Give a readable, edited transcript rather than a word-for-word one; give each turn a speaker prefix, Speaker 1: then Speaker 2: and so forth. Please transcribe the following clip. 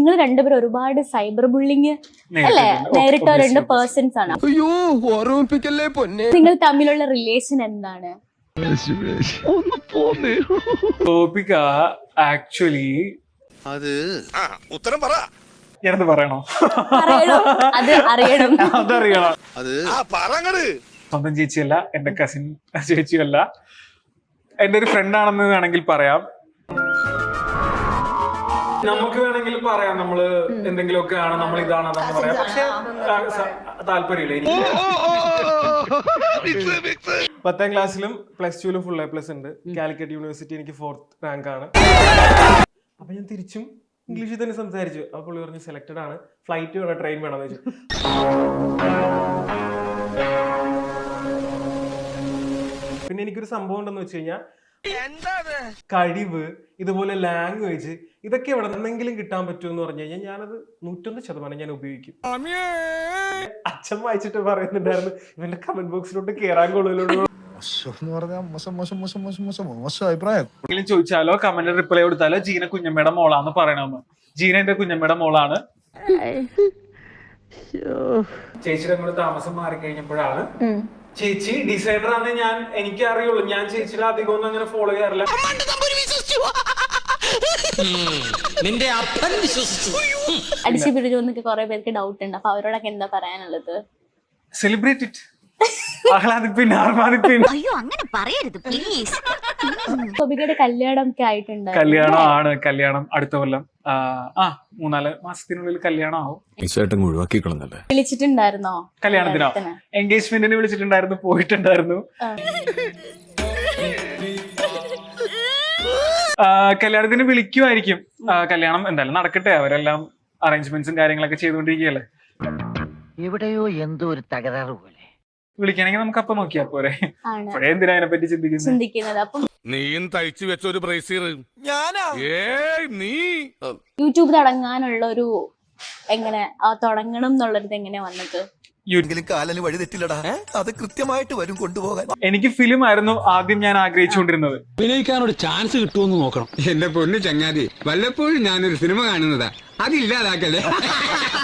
Speaker 1: നിങ്ങൾ രണ്ടുപേരും ഒരുപാട് സൈബർ ബുള്ളിങ് അല്ലേ നേരിട്ട രണ്ട് പേഴ്സൺസ് ആണ്. നിങ്ങൾ തമ്മിലുള്ള റിലേഷൻ എന്താണ്?
Speaker 2: ഗോപിക ആക്ച്വലി
Speaker 3: അത് ഉത്തരം പറ.
Speaker 2: ഞാനത് പറയണോ?
Speaker 1: അത് അറിയണം.
Speaker 2: അതറിയണം.
Speaker 3: അത് പറങ്ങട്.
Speaker 2: സ്വന്തം ചേച്ചിയല്ല, എന്റെ കസിൻ ചേച്ചിയല്ല, എന്റെ ഒരു ഫ്രണ്ട് ആണെന്ന് വേണമെങ്കിൽ പറയാം. നമുക്ക് വേണമെങ്കിൽ പറയാം നമ്മള് എന്തെങ്കിലുമൊക്കെ ആണ്, നമ്മൾ ഇതാണെന്ന് പറയാം. പക്ഷെ താല്പര്യമില്ല എനിക്ക്. 10ാം ക്ലാസ്സിലും +2ലും ഫുൾ A+ ഉണ്ട്. കാലിക്കറ്റ് യൂണിവേഴ്സിറ്റി എനിക്ക് 4th റാങ്ക് ആണ്. അപ്പൊ ഞാൻ തിരിച്ചും ഇംഗ്ലീഷിൽ തന്നെ സംസാരിച്ചു. അപ്പൊ പുള്ളി പറഞ്ഞു സെലക്ടഡ് ആണ്, ഫ്ലൈറ്റ് വേണം ട്രെയിൻ വേണമെന്ന് വെച്ചു. പിന്നെ എനിക്കൊരു സംഭവം ഉണ്ടെന്ന് വെച്ച് കഴിഞ്ഞാൽ കഴിവ്, ഇതുപോലെ ലാംഗ്വേജ്, ഇതൊക്കെ എവിടെ നിന്നെങ്കിലും കിട്ടാൻ പറ്റുമെന്ന് പറഞ്ഞു കഴിഞ്ഞാൽ ഞാനത് 101% ഞാൻ ഉപയോഗിക്കും. അച്ഛൻ വായിച്ചിട്ട് പറയുന്നുണ്ടായിരുന്നു ഇവന്റെ കമന്റ് ബോക്സിലോട്ട് കേറാൻ കൊള്ളുമല്ലോ. ചോദിച്ചാലോ കമന്റ് റിപ്ലൈ കൊടുത്താലോ ജീന കുഞ്ഞമ്മയുടെ മോളാന്ന് പറയണമെന്ന്. ജീന എന്റെ കുഞ്ഞമ്മയുടെ മോളാണ്. ചേച്ചിയുടെ കൂടെ താമസം മാറിക്കഴിഞ്ഞപ്പോഴാണ് ചേച്ചി ഡിസൈനർ ആണെന്ന് എനിക്ക് അറിയുള്ളൂ. ഞാൻ ചേച്ചിയുടെ അധികം ഒന്നും അങ്ങനെ ഫോളോ ചെയ്യാറില്ല.
Speaker 1: അടിച്ചു പിടിച്ചോന്നൊക്കെ കുറെ പേർക്ക് ഡൗട്ട് ഉണ്ട്. അപ്പൊ അവരോടൊക്കെ എന്താ പറയാനുള്ളത്?
Speaker 2: സെലിബ്രേറ്റ് ഇറ്റ്, ആഹ്ലാദിപ്പിൻ, ആർമാദിപ്പിൻ.
Speaker 4: അയ്യോ അങ്ങനെ പറയരുത് പ്ലീസ്.
Speaker 1: ഗോപികയുടെ കല്യാണം ഒക്കെ ആയിട്ടുണ്ട്.
Speaker 2: കല്യാണം ആണ്, കല്യാണം അടുത്ത കൊല്ലം 3-4 മാസത്തിനുള്ളിൽ കല്യാണം ആവും.
Speaker 1: വിളിച്ചിട്ടുണ്ടായിരുന്നോ
Speaker 2: കല്യാണത്തിനോ? എൻഗേജ്മെന്റിന് വിളിച്ചിട്ടുണ്ടായിരുന്നു, പോയിട്ടുണ്ടായിരുന്നു. കല്യാണത്തിന് വിളിക്കുമായിരിക്കും. കല്യാണം എന്തായാലും നടക്കട്ടെ, അവരെല്ലാം അറേഞ്ച്മെന്റ്സും കാര്യങ്ങളൊക്കെ ചെയ്തുകൊണ്ടിരിക്കുകയല്ലേ.
Speaker 5: എവിടെയോ എന്തോ ഒരു തകരാറ് പോലെ.
Speaker 2: വിളിക്കണമെങ്കിൽ നമുക്ക് അപ്പൊ നോക്കിയാ പോരെ. അപ്പോഴേ എന്തിനാ അതിനെ പറ്റി
Speaker 1: ചിന്തിക്കുന്നത്? അപ്പം
Speaker 3: നീയും തയ്ച്ചു വെച്ച ഒരു ബ്രേസീർ ഞാനാ. നീ
Speaker 1: യൂട്യൂബ് തുടങ്ങാനുള്ള ഒരു എങ്ങനെ തുടങ്ങണം എന്നുള്ളത് എങ്ങനെയാ വന്നത്?
Speaker 6: കാലന് വഴി തെറ്റില്ലടാ, അത് കൃത്യമായിട്ട് വരും കൊണ്ടുപോകാൻ.
Speaker 2: എനിക്ക് ഫിലിം ആയിരുന്നു ആദ്യം ഞാൻ ആഗ്രഹിച്ചുകൊണ്ടിരുന്നത്.
Speaker 7: അഭിനയിക്കാനൊരു ചാൻസ് കിട്ടുമെന്ന് നോക്കണം. എന്റെ പൊന്നു ചങ്ങാതി, വല്ലപ്പോഴും ഞാനൊരു സിനിമ കാണുന്നതാ, അതില്ലാതാക്കല്ലേ.